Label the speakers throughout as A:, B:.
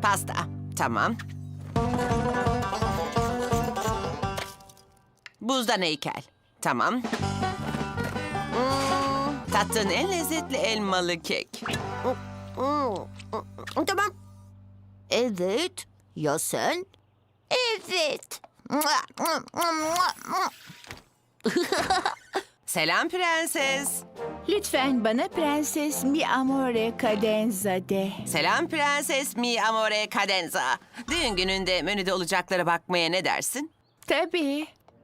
A: Pasta. Tamam. Buzdan heykel. Tamam. Tattığın en lezzetli elmalı kek.
B: Tamam. Evet. Ya sen? Evet.
A: Selam prenses.
C: Lütfen bana Prenses Mi Amore Cadenza de.
A: Selam prenses mi amore cadenza. Düğün gününde menüde olacaklara bakmaya ne dersin?
C: Tabii.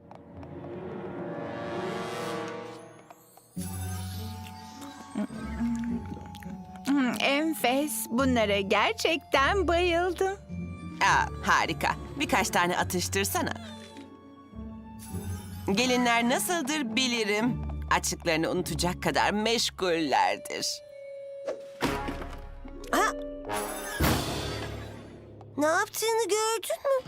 C: Enfes. Bunlara gerçekten bayıldım.
A: Harika. Birkaç tane atıştırsana. Gelinler nasıldır bilirim. Açlıklarını unutacak kadar meşgullerdir.
B: Ne yaptığını gördün mü?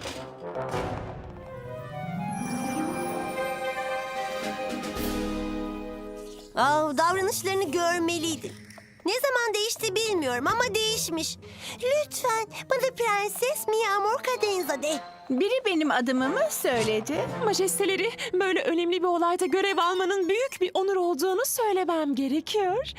B: Davranışlarını görmeliydin. Ne zaman değişti bilmiyorum ama değişmiş. Lütfen bana Prenses Mi Amor Cadenza de.
C: Biri benim adımı mı söyledi?
D: Majesteleri, böyle önemli bir olayda görev almanın büyük bir onur olduğunu söylemem gerekiyor.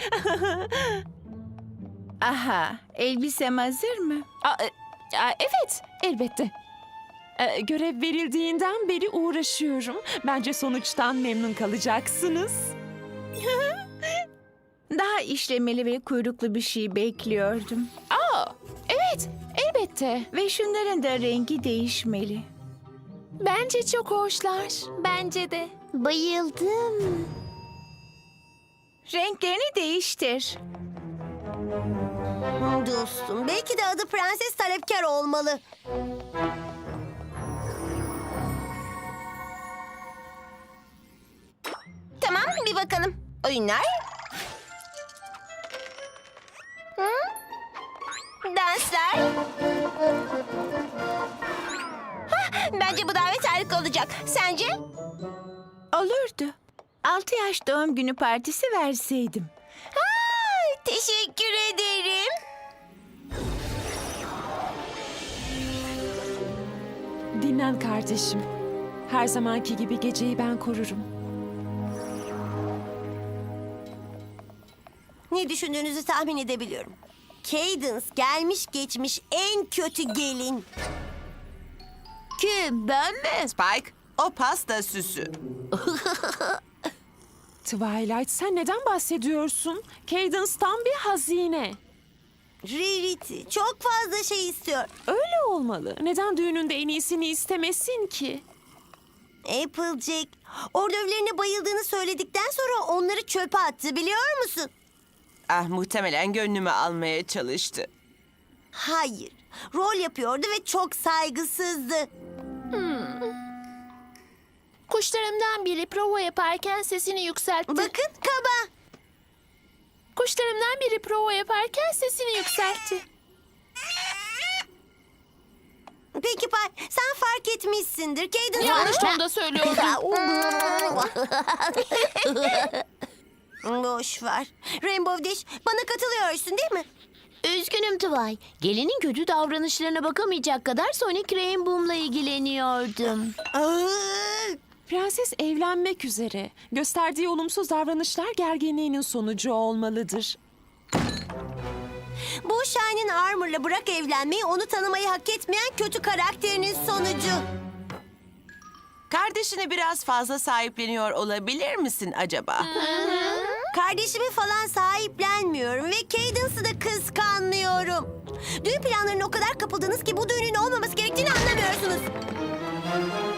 C: Aha, elbisem hazır mı?
D: Evet, elbette. Görev verildiğinden beri uğraşıyorum. Bence sonuçtan memnun kalacaksınız.
C: Daha işlemeli ve kuyruklu bir şey bekliyordum.
D: Evet, elbette.
C: Ve şunların da rengi değişmeli.
D: Bence çok hoşlar.
B: Bence de. Bayıldım.
C: Renklerini değiştir.
B: Dostum, belki de adı Prenses Talepkar olmalı. Tamam, bir bakalım. Oyunlar. Danslar. Bence bu davet harika olacak. Sence?
C: Olurdu. 6 yaş doğum günü partisi verseydim.
B: Teşekkür ederim.
D: Dinlen kardeşim. Her zamanki gibi geceyi ben korurum.
B: Ne düşündüğünüzü tahmin edebiliyorum. Cadence gelmiş geçmiş en kötü gelin. Kim, ben mi?
A: Spike, o pasta süsü.
D: Twilight, sen neden bahsediyorsun? Cadence tam bir hazine.
B: Rarity çok fazla şey istiyor.
D: Öyle olmalı. Neden düğününde en iyisini istemesin ki?
B: Applejack, ordövlerine bayıldığını söyledikten sonra onları çöpe attı biliyor musun?
A: Muhtemelen gönlümü almaya çalıştı.
B: Hayır, rol yapıyordu ve çok saygısızdı.
E: Kuşlarımdan biri prova yaparken sesini yükseltti.
B: Bakın kaba.
E: Kuşlarımdan biri prova yaparken sesini yükseltti.
B: Peki Pay, sen fark etmişsindir. Cadence
E: Yanlış tonda söylüyordu.
B: Boş ver. Rainbow Dash, bana katılıyorsun değil mi?
F: Üzgünüm Tuvay. Gelinin kötü davranışlarına bakamayacak kadar Sonic Rainbow'la ilgileniyordum.
D: Prenses evlenmek üzere. Gösterdiği olumsuz davranışlar gerginliğinin sonucu olmalıdır.
B: Bu Shine'in Armor'la bırak evlenmeyi, onu tanımayı hak etmeyen kötü karakterinin sonucu.
A: Kardeşini biraz fazla sahipleniyor olabilir misin acaba?
B: Kardeşimi falan sahiplenmiyorum ve Cadence'ı da kıskanmıyorum. Düğün planlarına o kadar kapıldınız ki bu düğünün olmaması gerektiğini anlamıyorsunuz.